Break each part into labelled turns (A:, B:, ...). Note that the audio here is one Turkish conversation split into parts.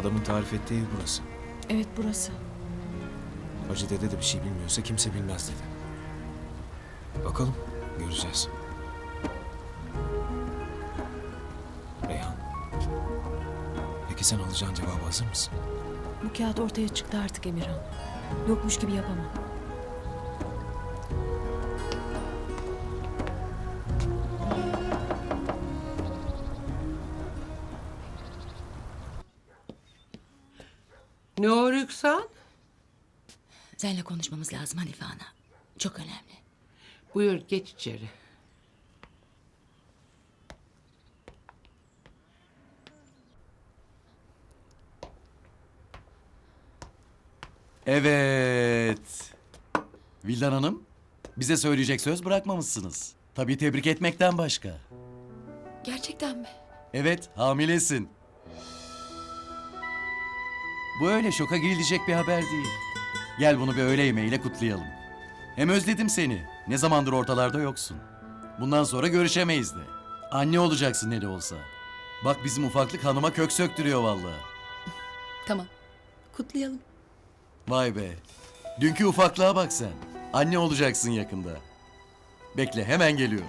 A: Adamın tarif ettiği ev burası.
B: Evet, burası.
A: Hacı dede de bir şey bilmiyorsa kimse bilmez dedi. Bakalım, göreceğiz. Reyhan. Peki sen alacağın cevabı hazır mısın?
B: Bu kağıt ortaya çıktı artık Emirhan. Yokmuş gibi yapamam.
C: Ne o Rüksan?
D: Seninle konuşmamız lazım Hanife Ana. Çok önemli.
C: Buyur geç içeri.
E: Evet. Vildan Hanım, bize söyleyecek söz bırakmamışsınız. Tabii tebrik etmekten başka.
D: Gerçekten mi?
E: Evet, hamilesin. Bu öyle şoka girilecek bir haber değil. Gel bunu bir öğle yemeğiyle kutlayalım. Hem özledim seni. Ne zamandır ortalarda yoksun. Bundan sonra görüşemeyiz de. Anne olacaksın ne de olsa. Bak bizim ufaklık hanıma kök söktürüyor vallahi.
D: Tamam. Kutlayalım.
E: Vay be. Dünkü ufaklığa bak sen. Anne olacaksın yakında. Bekle hemen geliyorum.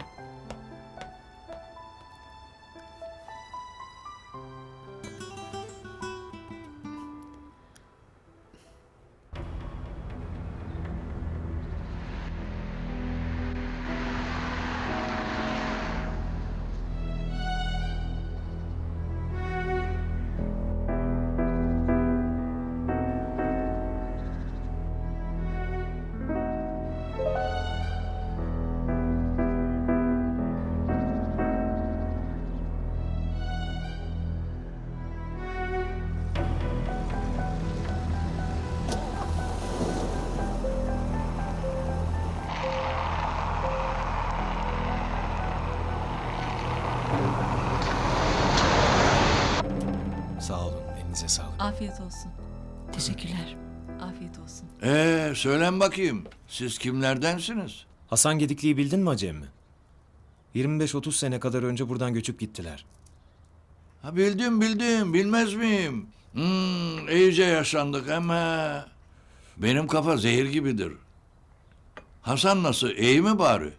A: Sağ olun, elinize sağlık.
F: Afiyet olsun.
B: Teşekkürler.
F: Afiyet olsun.
G: Söylen bakayım. Siz kimlerdensiniz?
A: Hasan Gedikli'yi bildin mi Hacı emmi? 25-30 sene kadar önce buradan göçüp gittiler.
G: Ha, bildim. Bilmez miyim? İyice yaşlandık ama... Benim kafa zehir gibidir. Hasan nasıl? İyi mi bari?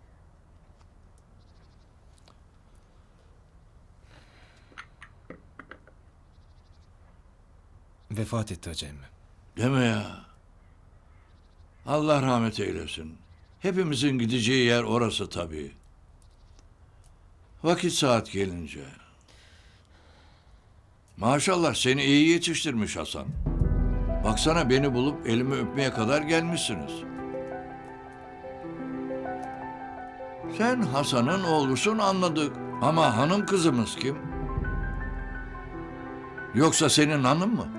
A: Vefat etti Hacı emmi.
G: Deme ya. Allah rahmet eylesin. Hepimizin gideceği yer orası tabii. Vakit saat gelince. Maşallah seni iyi yetiştirmiş Hasan. Baksana beni bulup elimi öpmeye kadar gelmişsiniz. Sen Hasan'ın oğlusun anladık. Ama hanım kızımız kim? Yoksa senin hanım mı?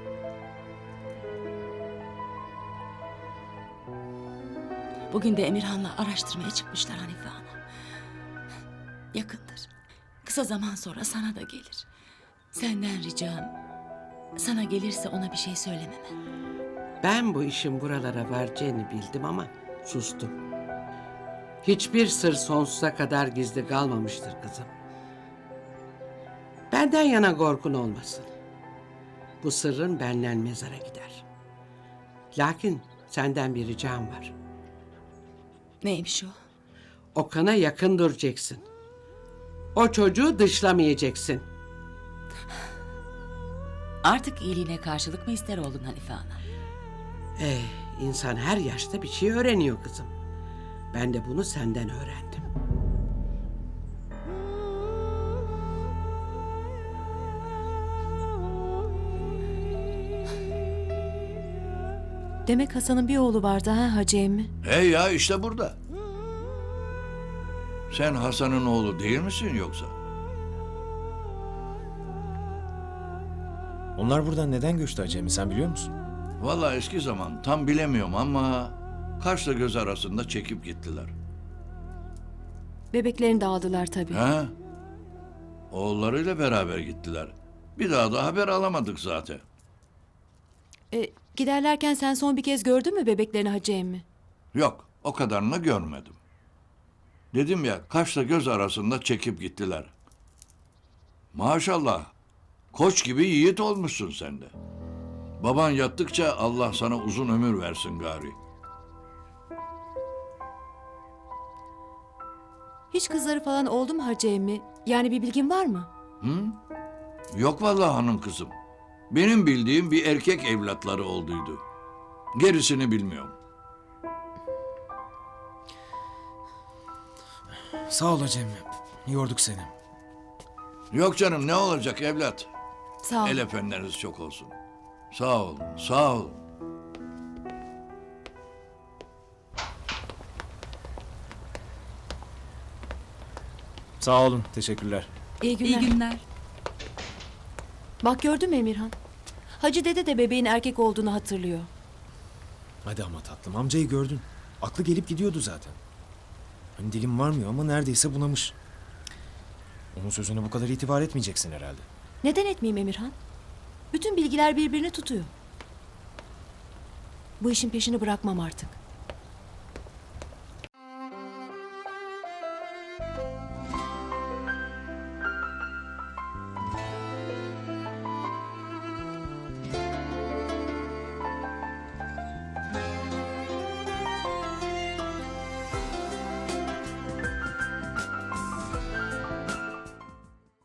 D: Bugün de Emirhan'la araştırmaya çıkmışlar Hanife Ana. Yakındır. Kısa zaman sonra sana da gelir. Senden ricam, sana gelirse ona bir şey söylememe.
C: Ben bu işin buralara varacağını bildim ama sustum. Hiçbir sır sonsuza kadar gizli kalmamıştır kızım. Benden yana korkun olmasın. Bu sırrın benden mezara gider. Lakin senden bir ricam var.
D: Neymiş o?
C: Okan'a yakın duracaksın. O çocuğu dışlamayacaksın.
D: Artık iyiliğine karşılık mı ister oldun Hanife Ana?
C: İnsan her yaşta bir şey öğreniyor kızım. Ben de bunu senden öğrendim.
B: Demek Hasan'ın bir oğlu vardı ha Hacı emmi?
G: Hey ya işte burada. Sen Hasan'ın oğlu değil misin yoksa?
A: Onlar buradan neden göçtü Hacı emmi, sen biliyor musun?
G: Vallahi eski zaman tam bilemiyorum ama kaşla göz arasında çekip gittiler.
B: Bebeklerini de aldılar tabii.
G: Ha? Oğullarıyla beraber gittiler. Bir daha da haber alamadık zaten.
B: Giderlerken sen son bir kez gördün mü bebeklerini Hacı emmi?
G: Yok, o kadarını görmedim. Dedim ya, kaşla göz arasında çekip gittiler. Maşallah, Koç gibi yiğit olmuşsun sen de. Baban yattıkça Allah sana uzun ömür versin gari.
B: Hiç kızları falan oldu mu Hacı emmi? Yani bir bilgin var mı?
G: Yok vallahi hanım kızım. Benim bildiğim bir erkek evlatları olduydu. Gerisini bilmiyorum.
A: Sağ ol Cem. Yorduk seni.
G: Yok canım, ne olacak evlat?
B: Sağ ol.
G: El efendileriniz çok olsun. Sağ olun, sağ olun.
A: Sağ olun. Teşekkürler.
B: İyi günler. Bak gördün mü Emirhan? Hacı dede de bebeğin erkek olduğunu hatırlıyor.
A: Hadi ama tatlım, amcayı gördün. Aklı gelip gidiyordu zaten. Hani dilim varmıyor ama neredeyse bunamış. Onun sözüne bu kadar itibar etmeyeceksin herhalde.
B: Neden etmeyeyim Emirhan? Bütün bilgiler birbirini tutuyor. Bu işin peşini bırakmam artık.